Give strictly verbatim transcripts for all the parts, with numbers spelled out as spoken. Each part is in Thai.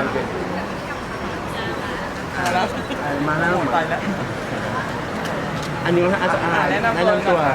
เป็นมาแล้วมาแล้วไปแล้วอันนี้ว่าอาจจะอ่านแนะนำแนะนำตัวก่อนค่ะ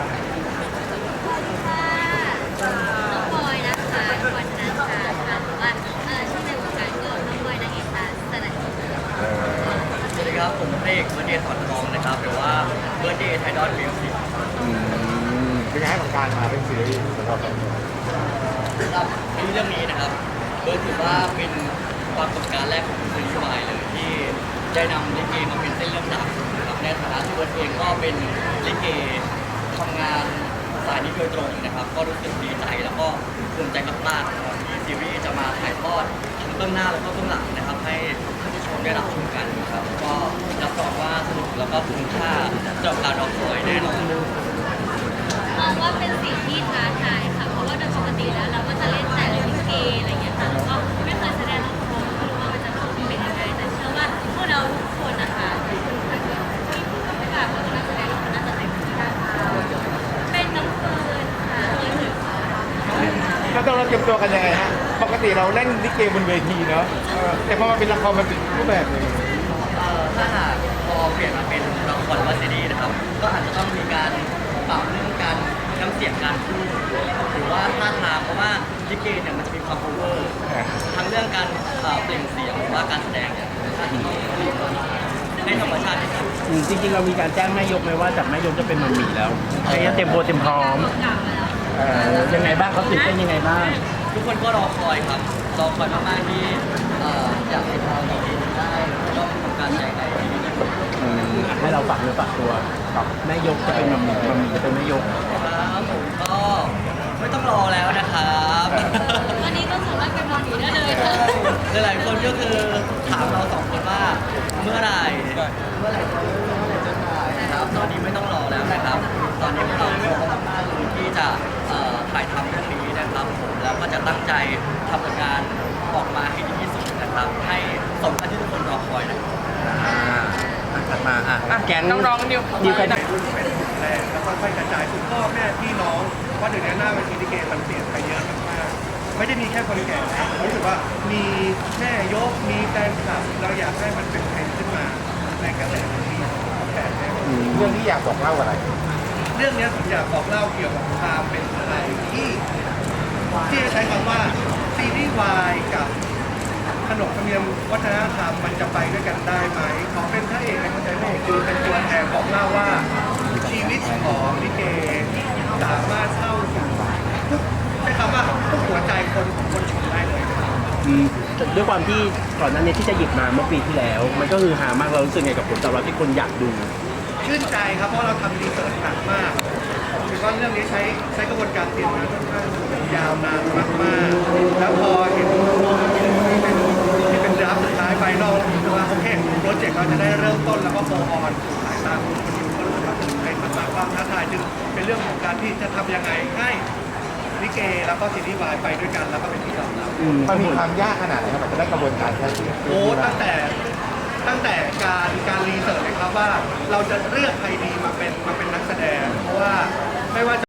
น้องบอยนะคะวันนั้นค่ะค่ะหรือว่าเออชื่อในวงการก็น้องบอยนางเอกตาสลัดสวัสดีครับผมเพลงเบอร์เดย์ถอดทองนะครับหรือว่าเบอร์เดย์ไทดอนมิวสิกเป็นไงของการมาเป็นซีรีส์สำหรับเราสำหรับในเรื่องนี้นะครับเบิร์ดถือว่าเป็นความประสบการณ์แรกของซีรีส์วายเลยที่ได้นำลิเกมาเป็นเส้นเรื่องหลักนะครับในฐานะที่เบิร์ดเองก็เป็นลิเกทำงานสายนี้โดยตรงนะครับก็รู้สึกดีใจแล้วก็ภูมิใจมากๆนะครับที่ซีรีส์จะมาถ่ายทอดทั้งเบื้องหน้าแล้วก็เบื้องหลังนะครับให้ท่านผู้ชมได้รับชมกันนะครับก็รับรองว่าสนุกแล้วก็คุ้มค่าสำหรับการรอคอยแน่นอนมองว่าเป็นสิ่งที่ท้าทายค่ะเพราะว่าโดยปกติแล้วเราก็จะเล่นแต่ลิเกอะไรอย่างเงี้ยค่ะแล้วก็ไม่เคยแสดงละครไม่รู้ว่ามันจะเป็นยังไงแต่เชื่อว่าพวกเราทุกคนนะคะที่ผู้กำกับแล้วก็นักแสดงทุกคนน่าจะเต็มที่ได้เป็นน้องเฟิร์นค่ะเลยถึงก็ต้องเราเตรียมตัวกันยังไงฮะปกติเราเล่นลิเกบนเวทีเนาะเออแต่พอมาเป็นละครมันเป็นรูปแบบหนึงเอ่อถ้าหากพอเปลี่ยนมาเป็นละครว่าซีรีส์นะครับ ก็อาจจะต้องมีการปรับเรื่องการน้ำเสียงการพูดหรือว่าท่าทางเพราะว่าลิเกเนี่ยมันจะมีความโอเวอร์ทั้งเรื่องการเอ่อเปล่งเสียงหรือว่าการแสดงเนี่ยอาจจะต้องให้ธรรมชาติที่สุดอืมจริงๆเรามีการแจ้งแม่ยกไหมว่าจากแม่ยกจะเป็นมัมมี่แล้วใช้เต็มตัวเต็มพร้อมเก่าแล้วเอ่อยังไงบ้างเขาตื่นเต้นยังไงบ้างทุกคนก็รอคอยครับรอคอยมากๆที่เอ่ออยากให้เราดีได้ก็ทำการแสดงได้ดีที่สุดอืมให้เราฝากเนื้อฝากตัวกับแม่ยกจะเป็นมัมมี่มัมมี่จะเป็นแม่ยกครับผมก็ไม่ต้องรอแล้วนะครับวันนี้ก็สามารถเป็นนอนอยู่ได้เลยค่ะหลายๆคนก็คือถามเราสองคนว่าเมื่อไหร่เมื่อไหร่จะเริ่มเมื่อไหร่จะถ่ายนะครับตอนนี้ไม่ต้องรอแล้วนะครับ ตอนนี้พวกเราพร้อมมากๆเลยที่จะเอ่อถ่ายทำเรื่องนี้นะครับผมแล้วก็จะตั้งใจทำผลงานออกมาให้ดีที่สุดนะครับ ให้สมกับที่ทุกคนรอคอยนะครับอ่าอ่ะถัดมาอ่ะแก๊งน้องๆนิวนิวใครรุ่นเป็นแรกแล้วค่อยๆกระจายสู่พ่อแม่พี่น้องเพราะเดี๋ยวนี้หน้าเวทีลิเกมันเปลี่ยนไปเยอะมากๆไม่ได้มีแค่คนแก่นะรู้สึกว่ามีแม่ยกมีแฟนคลับเราอยากให้มันเป็นเทรนด์ขึ้นมาในกระแสที่แต่แน่เรื่องที่อยากบอกเล่าอะไรเรื่องนี้ผมอยากบอกเล่าเกี่ยวกับความเป็นอะไรที่ที่จะใช้คำว่าซีรีส์วายกับขนบธรรมเนียมวัฒนธรรมมันจะไปด้วยกันได้ไหมขอเป็นพระเอกในคนใจพระเอกคือเป็นตัวแทนบอกเล่าว่าชีวิตของลิเกสามารถเข้าสู่ทุกใช้คำว่าทุกหัวใจคนของคนชมได้เลยนะครับอืมด้วยความที่ก่อนหน้านี้ที่จะหยิบมาเมื่อปีที่แล้ว มันก็คือหามากเรารู้สึกไงกับผลตอบรับที่คนอยากดูชื่นใจครับเพราะเราทำรีเสิร์ชหนักมากถือว่าเรื่องนี้ใช้ใช้กระบวนการเตรียมมาค่อนข้างยาวนานมากๆแล้วพอเห็นที่เป็นที่เป็นดราฟสุดท้ายไฟนอลรู้สึกว่าโอเคโปรเจกต์เราจะได้เริ่มต้นแล้วก็โฟออนสู่สายตาคนคนดูก็รู้สึกว่าเป็นมากๆความท้าทายจึงเป็นเรื่องของการที่จะทำยังไงให้ลิเกแล้วก็ซีรีส์วายไปด้วยกันแล้วก็เป็นที่ยอมรับอืมมันมีความยากขนาดไหนครับมันจะได้กระบวนการแค่นี้โอ้ตั้งแต่ตั้งแต่การการรีเสิร์ชเลยครับว่าเราจะเลือกใครดีมาเป็นมาเป็นนักแสดง เพราะว่าไม่ว่าจะ